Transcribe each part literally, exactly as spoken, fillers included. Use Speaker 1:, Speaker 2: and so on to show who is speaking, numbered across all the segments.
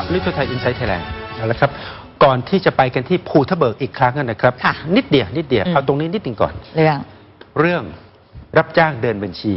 Speaker 1: ลิทูไทยอินไซต์ไทยแลนด์แล้วครับก่อนที่จะไปกันที่ภูทับเบิกอีกครั้งนะครับนิดเดียวนิดเดียวเอาตรงนี้นิดหนึ่งก่อน
Speaker 2: เรื่อง
Speaker 1: เรื่องรับจ้างเดินบัญชี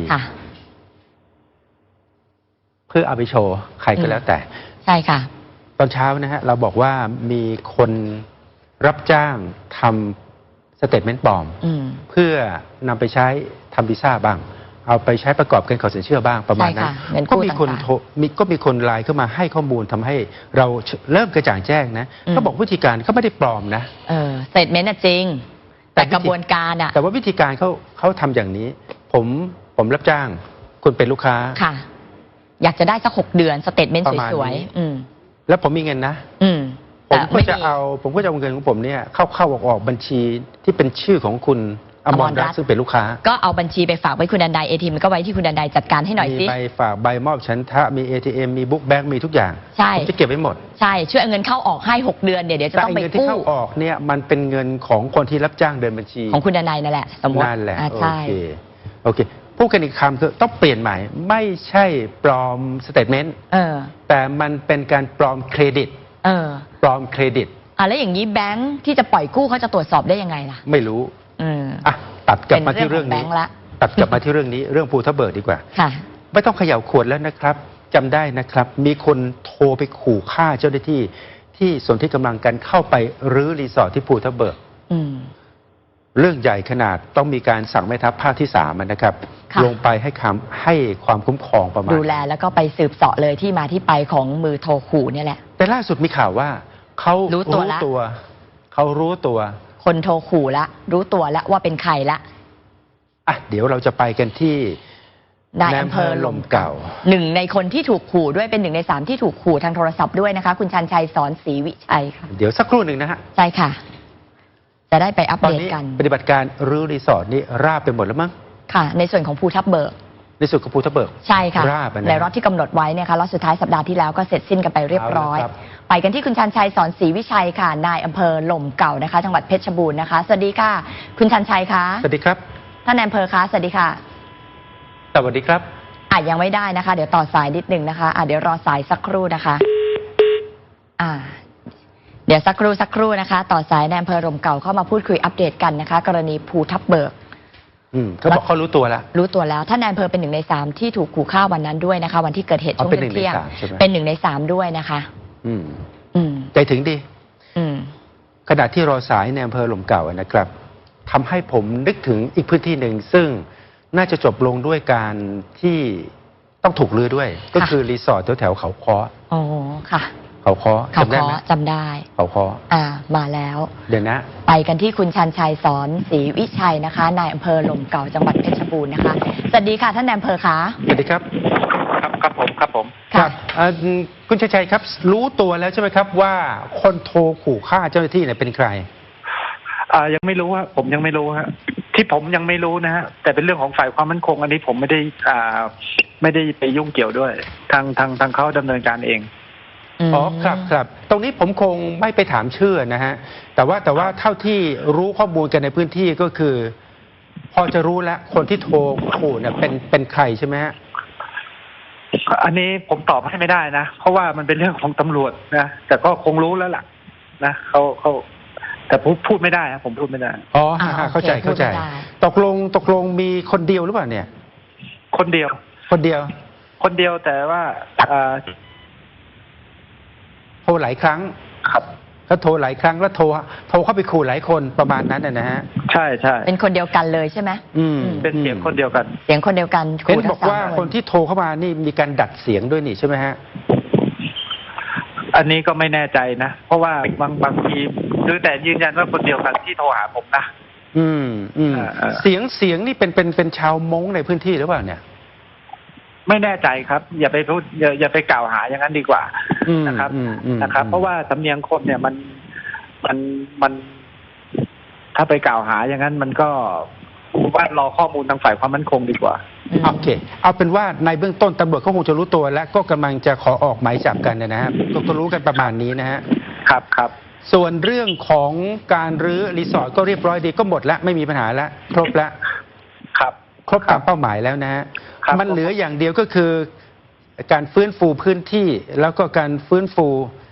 Speaker 1: เพื่อเอาไปโชว์ใครก็แล้วแต่
Speaker 2: ใช่ค่ะ
Speaker 1: ตอนเช้านะฮะเราบอกว่ามีคนรับจ้างทำสเตทเมนต์ปลอมเพื่อนำไปใช้ทำวีซ่าบ้างเอาไปใช้ประกอบการขอสินเชื่อบ้างประมาณนั้นก็มีคนโทรมีก็มีคนไลน์เข้ามาให้ข้อมูลทำให้เราเริ่มกระจ่างแจ้งนะเขาบอกวิธีการเขาไม่ได้ปลอมนะ
Speaker 2: เออสเตทเมนต์จริงแต่กระบวนการอะ
Speaker 1: แต่ว่าวิธีการเขาเขาทำอย่างนี้ผมผมรับจ้างคุณเป็นลูกค้า
Speaker 2: ค่ะอยากจะได้สักหกเดือนสเตทเมนต์สวย
Speaker 1: ๆแล้วผมมีเงินนะผมก็จะเอาผมก็จะเอาเงินของผมเนี่ยเข้าเข้าออกออกบัญชีที่เป็นชื่อของคุณอมรรัตน์ซึ่งเป็นลูกค้า
Speaker 2: ก็เอาบัญชีไปฝากไว้คุณดันไดเอทีมันก็ไว้ที่คุณดันไดจัดการให้หน่อยสิ
Speaker 1: มีใบฝากใบมอบฉันทะมี เอ ที เอ็ม มีบุ๊กแบงค์มีทุกอย่าง
Speaker 2: ใช่
Speaker 1: ผมจะเก็บไว้หมด
Speaker 2: ใช่ช่วยเอาเงินเข้าออกให้หกเดือนเดี๋ยวเดี๋ยวจะต้องไปกู้
Speaker 1: แต่เงินที่เข้าออกเนี่ยมันเป็นเงินของคนที่รับจ้างเดินบัญชี
Speaker 2: ของคุณดันไดนั่นแหละสมมติ
Speaker 1: นั่นแหละโอเคโอเคพูดกันอีกคำคือต้องเปลี่ยนใหม่ไม่ใช่ปลอมสเตทเมนต์แต่มันเป็นการปลอมเครดิตปลอมเครดิต
Speaker 2: อ่ะแล้วอย่างนี้แบงค์ที่จะปล่อยกู้เขาจะตรวจสอบได้ยังไงล่ะ
Speaker 1: ไม่รู้อ่ะตัดกลับมาที่เรื่องนี้ตัดกลับมาที่เรื่องนี้เรื่องภูทับเบิกดีกว่าไม่ต้องเขย่าขวดแล้วนะครับจำได้นะครับมีคนโทรไปขู่ฆ่าเจ้าหน้าที่ที่สนที่กำลังกันเข้าไปรื้อรีสอร์ทที่ภูทับเบิกเรื่องใหญ่ขนาดต้องมีการสั่งแม่ทัพภาคที่สามนะครับลงไปให้คำให้ความคุ้มครองประมาณ
Speaker 2: ดูแลแล้วก็ไปสืบเสาะเลยที่มาที่ไปของมือโทรขู่นี่แหละ
Speaker 1: แต่ล่าสุดมีข่าวว่าเขารู้ตัวเขารู้ตัว
Speaker 2: คนโทรขู่ละรู้ตัวแล้วว่าเป็นใครละ
Speaker 1: อ่ะเดี๋ยวเราจะไปกันที่
Speaker 2: นายอำเภอลมเก่าหนึ่งในคนที่ถูกขู่ด้วยเป็นหนึ่งในสามที่ถูกขู่ทางโทรศัพท์ด้วยนะคะคุณชันชัยสอนศรีวิชัยค่ะ
Speaker 1: เดี๋ยวสักครู่หนึ่งนะฮะ
Speaker 2: ใช่ค่ะจะได้ไปอัปเดตกัน
Speaker 1: ปฏิบัติการรื้อรีสอร์ทนี่ราบไปหมดแล้วมั้ง
Speaker 2: ค่ะในส่วนของภูทับเบิก
Speaker 1: ในส่วนของภูทับเบิก
Speaker 2: ใช่ค่ะในรอบที่กำหนดไว้เนี่ยค่ะรอบสุดท้ายสัปดาห์ที่แล้วก็เสร็จสิ้นกันไปเรียบร้อยไปกันที่คุณชันชัยสอนศรีวิชัยค่ะนายอำเภอหล่มเก่านะคะจังหวัดเพชรบูรณ์นะคะสวัสดีค่ะคุณชันชัยคะ
Speaker 1: สวัสดีครับ
Speaker 2: ท่านนายอำเภอคะสวัสดีค่ะ
Speaker 1: สวัสดีครับ
Speaker 2: อ่ะยังไม่ได้นะคะเดี๋ยวต่อสายนิดนึงนะคะอ่ะเดี๋ยวรอสายสักครู่นะคะอ่าเดี๋ยวสักครู่สักครู่นะคะต่อสายนายอำเภอหล่มเก่าเข้ามาพูดคุยอัปเดตกันนะคะกรณีภูทับเบิก
Speaker 1: อืมเขาบอกเขารู้ตัวแล้ว
Speaker 2: รู้ตัวแล้วท่านนายอำเภอเป็นหนึ่งในสามที่ถูกขู่ฆ่าวันนั้นด้วยนะคะวันที่เกิดเหตุช่วงเที่ยงเป็นหนึ่งในสามด้วยนะคะ
Speaker 1: อืมอืมใจถึงดี
Speaker 2: อืม
Speaker 1: ขณะที่รอสายในอำเภอหล่มเก่านะครับทำให้ผมนึกถึงอีกพื้นที่หนึ่งซึ่งน่าจะจบลงด้วยการที่ต้องถูกรื้อด้วยก็คือรีสอร์ทแถวๆเขาค้อ
Speaker 2: อ๋อค่ะ
Speaker 1: เขาค้อ
Speaker 2: จำได้ไหมจำได้
Speaker 1: เขาค้อ
Speaker 2: อ่ามาแล้ว
Speaker 1: เดี๋ยวนะ
Speaker 2: ไปกันที่คุณชันชัยสอนศรีวิชัยนะคะนายอำเภอหล่มเก่าจังหวัดเพชรบูรณ์นะคะสวัสดีค่ะท่านนายอำเภอคะ
Speaker 1: สวัสดีครับ
Speaker 3: ครับครับผมครับผม
Speaker 1: ครับคุณชัยชัยครับรู้ตัวแล้วใช่ไหมครับว่าคนโทรขู่ฆ่าเจ้าหน้าที่เนี่ยเป็นใคร
Speaker 3: อ่ายังไม่รู้ฮะผมยังไม่รู้ฮะที่ผมยังไม่รู้นะฮะแต่เป็นเรื่องของฝ่ายความมั่นคงอันนี้ผมไม่ได้อ่าไม่ได้ไปยุ่งเกี่ยวด้วยทางทางทางเขาดำเนินการเอง
Speaker 1: อ๋อครับครับตรงนี้ผมคงไม่ไปถามชื่อนะฮะแต่ว่าแต่ว่าเท่าที่รู้ข้อมูลกันในพื้นที่ก็คือพอจะรู้แล้วคนที่โทรขู่เนี่ยเป็นเป็นใครใช่ไหมฮะ
Speaker 3: อันนี้ผมตอบให้ไม่ได้นะเพราะว่ามันเป็นเรื่องของตำรวจนะแต่ก็คงรู้แล้วล่ะนะเขาเขาแต่พูดพูดไม่ได้ครับผมพูดไม่ได้
Speaker 1: อ๋อเข้าใจเข้าใจตกลงตกลงมีคนเดียวหรือเปล่าเนี่ย
Speaker 3: คนเดียว
Speaker 1: คนเดียว
Speaker 3: คนเดียวแต่ว่า
Speaker 1: โทรหลายครั้ง
Speaker 3: ครับ
Speaker 1: เขาโทรหลายครั้งแล้วโทรโทรเข้าไปขู่หลายคนประมาณนั้นนะฮะ
Speaker 3: ใช่ใช่
Speaker 2: เป็นคนเดียวกันเลยใช่ไหม
Speaker 1: อืม
Speaker 3: เป็นเสียงคนเดียวกัน
Speaker 2: เสียงคนเดียวกัน
Speaker 1: เห็นบอกว่าคนที่โทรเข้ามานี่มีการดัดเสียงด้วยนี่ใช่ไหมฮะ
Speaker 3: อันนี้ก็ไม่แน่ใจนะเพราะว่าบางบางทีคือแต่ยืนยันว่าคนเดียวกันที่โทรหาผมนะ
Speaker 1: อืมอืมเสียงเสียงนี่เป็นเป็นเป็นชาวม้งในพื้นที่หรือเปล่าเนี่ย
Speaker 3: ไม่แน่ใจครับอย่าไปพูดอย่าอย่าไปกล่าวหาอย่างนั้นดีกว่านะครับนะครับเพราะว่าสำเนียงคนเนี่ยมันมันมันถ้าไปกล่าวหาอย่างนั้นมันก็ว่ารอข้อมูลทางฝ่ายความมั่นคงดีกว่า
Speaker 1: โอเคเอาเป็นว่าในเบื้องต้นตำรวจเขาคงจะรู้ตัวและก็กำลังจะขอออกหมายจับกันนะครับก็รู้กันประมาณนี้นะฮะ
Speaker 3: ครับครับ
Speaker 1: ส่วนเรื่องของการรื้อรีสอร์ทก็เรียบร้อยดีก็หมดแล้วไม่มีปัญหาแล้วครบแล้ว
Speaker 3: ครับ
Speaker 1: ครบตามเป้าหมายแล้วนะฮะมันเหลืออย่างเดียวก็คือการฟื้นฟูพื้นที่แล้วก็การฟื้นฟู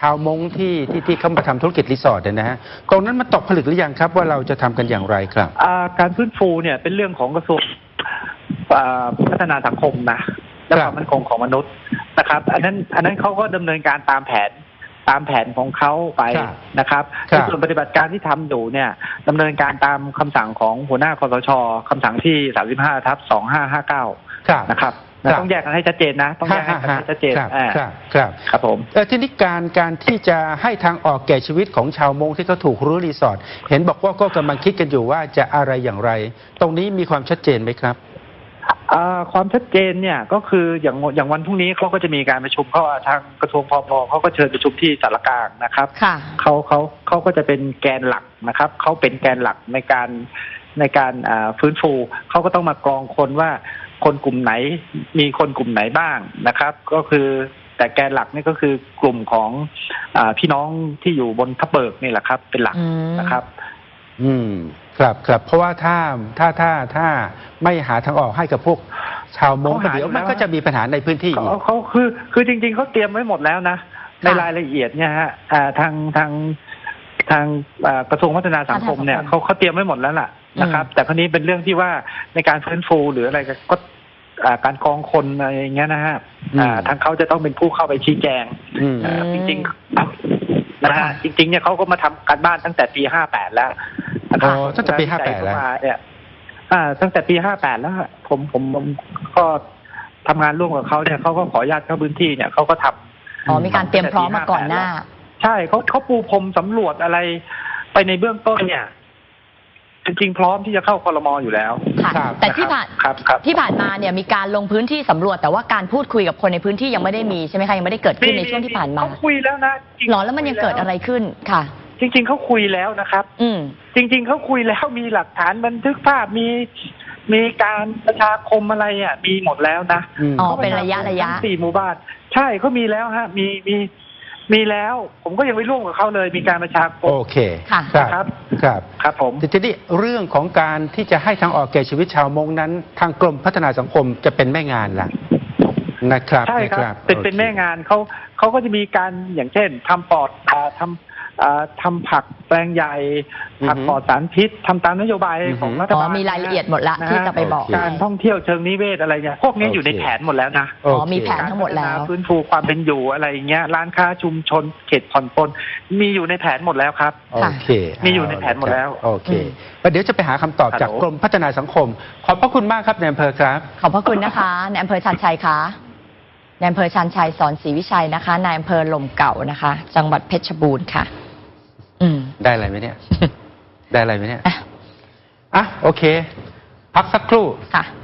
Speaker 1: าวมงที่ที่ที่เข้ามาทำธุรกิจรีสอร์ทเนี่ยนะฮะตรงนั้นมันตกผลึกหรือยังครับว่าเราจะทำกันอย่างไรครับ
Speaker 3: การฟื้นฟูเนี่ยเป็นเรื่องของกระทรวงพัฒนาสังคมนะและความมั่นคงของมนุษย์นะครับอันนั้นอันนั้นเขาก็ดำเนินการตามแผนตามแผนของเขาไปนะครับในส่วนปฏิบัติการที่ทำอยู่เนี่ยดำเนินการตามคำสั่งของหัวหน้าคสช.คำสั่งที่สามสิบห้าทับสองห้าห้าเก้านะครับต้องแยกกันให้ชัดเจนนะต้องแยกกันให้ชัดเจน
Speaker 1: ครับครับ
Speaker 3: ครับผม
Speaker 1: ทีนี้การการที่จะให้ทางออกแก่ชีวิตของชาวมงที่เขาถูกรื้อรีสอร์ทเห็นบอกว่าก็กำลังคิดกันอยู่ว่าจะอะไรอย่างไรตรงนี้มีความชัดเจนไหมครับ
Speaker 3: ความชัดเจนเนี่ยก็คืออย่างอย่างวันพรุ่งนี้เขาก็จะมีการประชุมเขาทางกระทรวงพมเขาก็เชิญประชุมที่สารกลางนะครับเขาเขาเขาก็จะเป็นแกนหลักนะครับเขาเป็นแกนหลักในการในการฟื้นฟูเขาก็ต้องมากรองคนว่าคนกลุ่มไหนมีคนกลุ่มไหนบ้างนะครับก็คือแต่แกนหลักนี่ก็คือกลุ่มของอพี่น้องที่อยู่บนทับเบิกนี่แหละครับเป็นหลักนะครับ
Speaker 1: อืมครับครับเพราะว่าถ้าถ้าถ้าถ้าไม่หาทางออกให้กับพวกชาวมงเดี๋ยวมันก็จะมีปัญหาในพื้นที่อีก
Speaker 3: เขาคือคือจริงๆเขาเตรียมไว้หมดแล้วนะในรายละเอียดเนี่ยฮะทางทางทางกระทรวงพัฒนาสังคมเนี่ยเขาเขาเตรียมไว้หมดแล้วล่ะนะครับแต่คราวนี้เป็นเรื่องที่ว่าในการฟื้นฟูหรืออะไรก็การกองคนอะไรอย่างเงี้ยนะฮะทางเขาจะต้องเป็นผู้เข้าไปชี้แจงจริงๆนะฮะจริงๆเนี่ยเขาก็มาทำการบ้านตั้งแต่ปีห้าแปดแล้ว
Speaker 1: อ๋อตั้งแต่ปีห้าแปดแล้ว
Speaker 3: เนี่ยตั้งแต่ปีห้าแปดแล้วผมผมก็ทำงานร่วมกับเขาเนี่ยเขาก็ขออนุญาตเข้าพื้นที่เนี่ยเขาก็ทำ
Speaker 2: อ๋อมีการเตรียมพร้อมมาก่อนหน้า
Speaker 3: ใช่เขาเขาปูพรมสำรวจอะไรไปในเบื้องต้นเนี่ยจริงๆพร้อมที่จะเข้าครม.อยู่แล้ว
Speaker 2: ค่ะแต่ที่ผ่านที่ผ่านมาเนี่ยมีการลงพื้นที่สำรวจแต่ว่าการพูดคุยกับคนในพื้นที่ยังไม่ได้มีใช่ไหมคะยังไม่ได้เกิดขึ้นในช่วงที่ผ่านมา
Speaker 3: เขาคุยแล้วนะ
Speaker 2: หรอแล้วมันยังเกิดอะไรขึ้นค่ะ
Speaker 3: จริงๆเขาคุยแล้วนะครับ
Speaker 2: อืม
Speaker 3: จริงๆเขาคุยแล้วมีหลักฐานบันทึกภาพมีมีการประชาคมอะไรอ่ะมีหมดแล้วนะ
Speaker 2: อ๋อเป็นระยะระยะ
Speaker 3: สี่หมู่บ้านใช่เขามีแล้วฮะมีมีมีแล้วผมก็ยังไม่ร่วมกับเขาเลยมีการประชาคม
Speaker 1: โอเค
Speaker 2: ค่ะ
Speaker 1: ครับครับ
Speaker 3: ครับผม
Speaker 1: ทีนี้เรื่องของการที่จะให้ทางออกแก่ชีวิตชาวมงนั้นทางกรมพัฒนาสังคมจะเป็นแม่งานล่ะนะครับ
Speaker 3: ใช่ครับเป็นเป็นแม่งานเขาเขาก็จะมีการอย่างเช่นทำปอดทำทำผักแปลงใหญ่ผักปลอดสารพิษทำตามนโยบายของรัฐบาล
Speaker 2: มีรายละเอียดหมดละที่จะไปบอก
Speaker 3: การท่องเที่ยวเชิงนิเวศอะไรเนี่ยพวกนี้อยู่ในแผนหมดแล้วนะ
Speaker 2: อ๋อมีแผนทั้งหมดแล้ว
Speaker 3: ฟื้นฟูความเป็นอยู่อะไรอย่างเงี้ยร้านค้าชุมชนเขตผ่อนปลนมีอยู่ในแผนหมดแล้วครับ
Speaker 1: โอเค
Speaker 3: มีอยู่ในแผนหมดแล้ว
Speaker 1: โอเคเดี๋ยวจะไปหาคำตอบจากกรมพัฒนาสังคมขอบพระคุณมากครับนายอำเภอครับ
Speaker 2: ขอบพระคุณนะคะนายอำเภอชันชัยคะนายอำเภอชันชัยสอนศรีวิชัยนะคะนายอำเภอลมเก่านะคะจังหวัดเพชรบูรณ์ค่ะ
Speaker 1: ได้อะไรไหมเนี่ยได้อะไรไหมเนี่ยอ่ะโอเคพักสักครู่
Speaker 2: ค่ะ